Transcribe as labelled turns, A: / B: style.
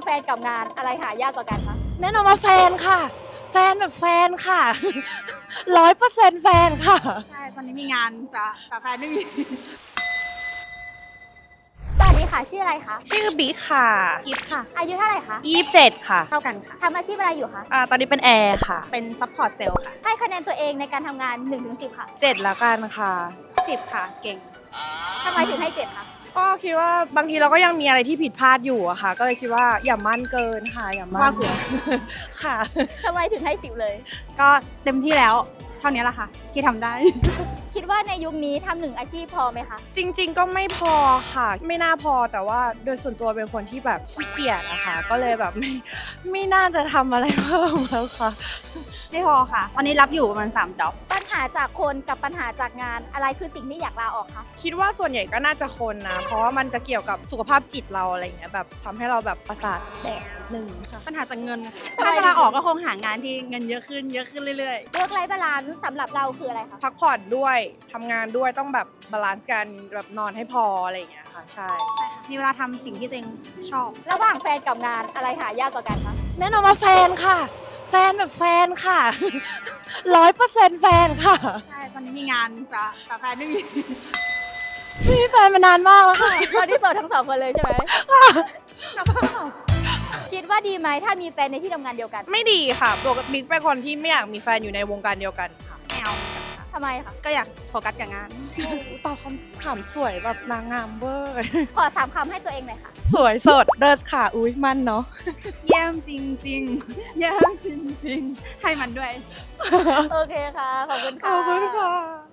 A: แฟนกับงานอะไรหายากกว่ากันคะ
B: แน่นอนว่าแฟนค่ะ แฟนแบบแฟนค่ะ 100%แฟนค่ะ
C: ใช่ตอนนี้มีงานแต่แฟนไม่มี
A: สวัสดีค่ะชื่ออะไรคะ
B: ชื่อบิ๊กค่ะ
C: กิฟค่ะ
A: อายุเท่าไหร่คะ
B: 27ค่ะ
C: เท่ากันค่ะ
A: ทำอาชีพอะไรอยู่คะ
B: ตอนนี้เป็นแอร์ค่ะ
C: เป็นซัพพอร์ตเซลล์ค่ะ
A: ให้คะแนนตัวเองในการทำงาน 1-10 ค่ะ
B: 7ละกันค่ะ
C: 10 ค่ะ เก่ง
A: ทำไมถึงให้ 7 คะ
B: ก็คิดว่าบางทีเราก็ยังมีอะไรที่ผิดพลาดอยู่อะค่ะ ก็เลยคิดว่าอย่ามั่นเกินค่ะ อย่ามั่
C: ว่าน เผื่อ
B: ค่ะ
A: ทำไมถึงให้ 10 เลย
C: ก็เต็มที่แล้ว เท่านี้แหละค่ะ ที่ทำได้
A: คิดว่าในยุคนี้ทำ1อาชีพพอไหมคะ
B: จริงๆก็ไม่พอค่ะ ไม่น่าพอแต่ว่าโดยส่วนตัวเป็นคนที่แบบขี้เกียจนะคะ ก็เลยแบบไม่น่าจะทำอะไรเพิ่มแล้วค่ะ
C: ไม่พอค่ะ วันนี้รับอยู่ประมาณ3จ็อบ
A: ปัญหาจากคนกับปัญหาจากงานอะไรคือสิ่งที่อยากลาออกคะ
B: คิดว่าส่วนใหญ่ก็น่าจะคนนะ เพราะว่ามันจะเกี่ยวกับสุขภาพจิตเราอะไรอย่างเงี้ยแบบทำให้เราแบบประสาทแดกนิดนึงค่ะ
C: ปัญหาจากเงินค่ะถ้าจะลาออกก็คงหางานที่เงินเยอะขึ้นเรื่อย
A: Work Life Balance สำหรับเราคืออะไรคะ
B: พักผ่อนด้วยทำงานด้วยต้องแบบบาลานซ์กันแบบนอนให้พออะไรอย่างเงี้ยค่ะ ใช่
C: ๆ ใช่ค่ะ มีเวลาทำสิ่งที่ตัวเองชอบ
A: ระหว่างแฟนกับงานอะไรหายากกว่ากันคะ
B: แน่นอนว่าแฟนค่ะ แฟนแบบแฟนค่ะ 100%แฟนค่ะ
C: ใช่ ตอนนี้มีงานแต่แฟนไม่มี
B: ไม่มีแฟนมานานมากแล้วค่ะ
A: ตอนนี้โสดทั้งสองคนเลยใช่ไหม คิดว่าดีไหมถ้ามีแฟนในที่ทำงานเดียวกัน
B: ไม่ดีค่ะปกติบิ๊กเป็นคนที่ไม่อยากมีแฟนอยู่ในวงการเดียวกันค่ะ
C: ไม่เอาเหมือนกันค่ะ
A: ทำไมคะ
C: ก็อยากโฟกัสกับงาน
B: ตอบคำถามสวยแบบนางงามเวอร์
A: ขอ3 คำให้ตัวเองหน่อยค่ะ
B: สวยสดเลิศค่ะ อุ้ยมันเนาะ
C: เยี่ยมจริงๆ เยี่ยมจริงๆ ให้มันด้วย
A: โอเคค่ะ ขอบคุณ
B: ข
A: ค่ะ
B: อบคุณค่ะ